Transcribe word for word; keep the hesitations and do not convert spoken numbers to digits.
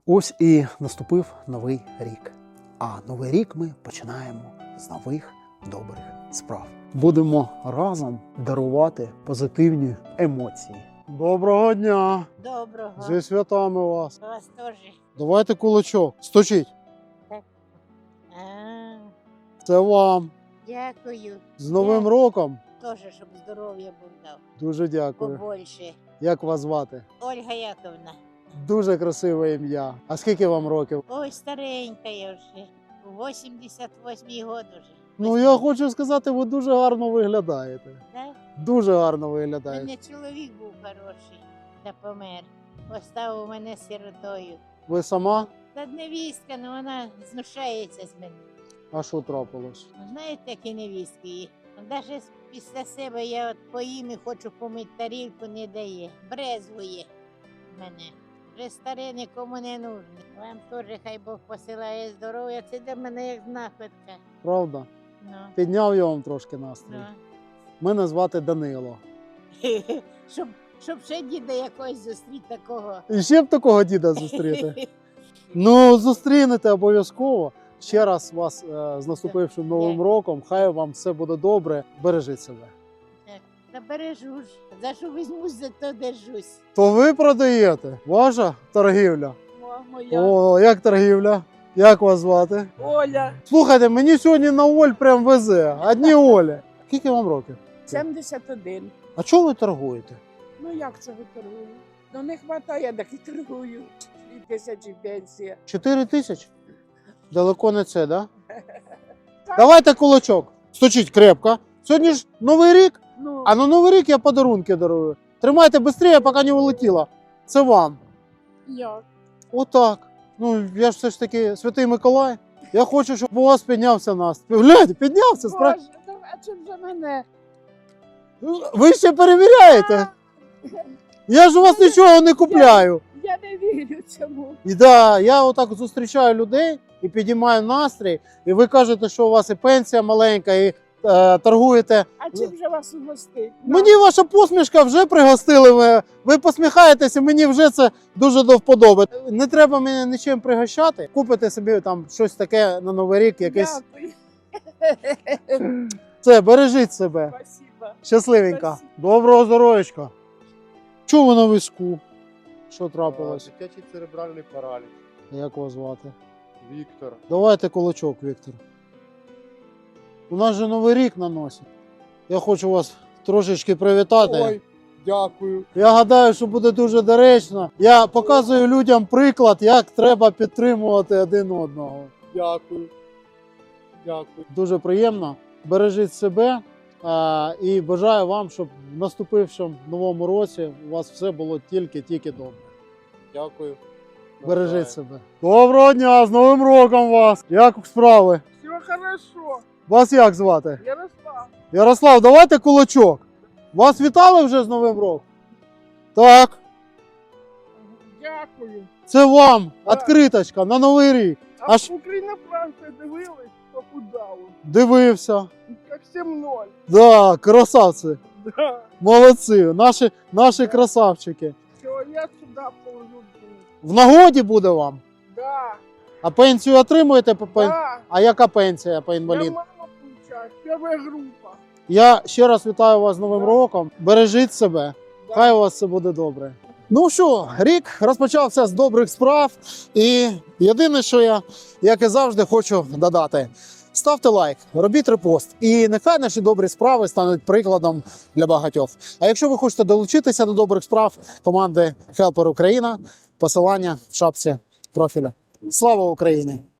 Ось і наступив новий рік. А новий рік ми починаємо з нових добрих справ. Будемо разом дарувати позитивні емоції. Доброго дня! Доброго. Зі святами вас! Вас теж. Давайте кулачок. Стучіть. А, Це вам. дякую. З Новим Я- роком. Теж, щоб здоров'я Бог дав. Дуже дякую. Побольше. Як вас звати? Ольга Яковна. Дуже красиве ім'я. А скільки вам років? Ой, старенька я вже. У вісімдесят восьмий год уже. Ну, я хочу сказати, ви дуже гарно виглядаєте. Да? Дуже гарно У виглядаєте. мене чоловік був хороший, та помер. Поставив мене сиротою. Ви сама? Та невістка, ну вона знущається з мене. А що трапилось? Ну, знаєте, які невістки є? Навіть після себе я от поїм і хочу помити тарілку, не дає. Брезгує мене. Вже старе нікому не нужне. Вам теж хай Бог посилає здоров'я. Це для мене як знаходка. Правда? Ну, Підняв я вам трошки настрій. ну. Мене звати Данило. щоб, щоб ще діда якогось зустріти такого. І ще б такого діда зустріти. Ну, зустрінете обов'язково. Ще раз вас е, з наступившим Новим Дякую. роком. Хай вам все буде добре. Бережіть себе. Так, та бережу ж. За що візьмусь, за то держусь. То ви продаєте? Ваша торгівля? О, моя О, як торгівля? Як вас звати? Оля, Слухайте, мені сьогодні на Оль прям везе. Одні Олі. Скільки вам років? сімдесят один. А чого ви торгуєте? Ну як це ви торгую? Ну не вистачає, так і торгую. Дві тисячі пенсія. Чотири тисячі? Далеко не це, да? Давайте кулачок. Стучіть крепко. Сьогодні ж Новий рік, Ну, а на Новий рік я подарунки дарую. Тримайте швидше, поки не улетіло. Це вам. як? Отак. Ну, я ж все ж таки Святий Миколай. Я хочу, щоб у вас піднявся настрій. Гляньте, піднявся. Спра... Боже, ну, а чим же мене? Ви ще перевіряєте? Я ж у вас нічого не купляю. Я не вірю цьому. І да, я отак зустрічаю людей і підіймаю настрій, і ви кажете, що у вас і пенсія маленька, і е, торгуєте. А чим же вас угостить? Мені ваша посмішка вже пригостили. Ви, ви посміхаєтеся, мені вже це дуже до вподоби. Не треба мене нічим пригощати. Купите собі там щось таке на Новий рік, якесь. Дякую. Це, бережіть себе. Спасибо. Щасливенька. Спасибо. Доброго здоров'ячка. Чого ви на візку? Що трапилось? Дитячий церебральний параліч. Як вас звати? Віктор. Давайте кулачок, Віктор. У нас же Новий рік на носі. Я хочу вас трошечки привітати. Ой, дякую. Я гадаю, що буде дуже доречно. Я показую людям приклад, як треба підтримувати один одного. Дякую. Дякую. Дуже приємно. Бережіть себе а, і бажаю вам, щоб в наступившому новому році у вас все було тільки-тільки добре. Дякую. Бережіть себе. Доброго дня, з Новим роком вас! Як справи? Все хорошо. Вас як звати? Ярослав. Ярослав, давайте кулачок. Вас вітали вже з Новим роком? Так, Дякую. це вам Так. відкриточка на Новий рік. А Аж Україна Франція дивились, похудало. дивився. Як сім ноль. Да, красавці. Да. Молодці. Наші, наші красавчики. Все, я сюди положу. В нагоді буде вам. Да. А пенсію отримуєте по пен... Да. А яка пенсія по Я інвалід? мама получаю. Первая група. Я ще раз вітаю вас з Новим Да. роком. Бережіть себе. Да. Хай у вас все буде добре. Ну що, рік розпочався з добрих справ. І єдине, що я, як і завжди, хочу додати. Ставте лайк, робіть репост. І нехай наші добрі справи стануть прикладом для багатьох. А якщо ви хочете долучитися до добрих справ команди Helper Україна, посилання в шапці профіля. Слава Україні!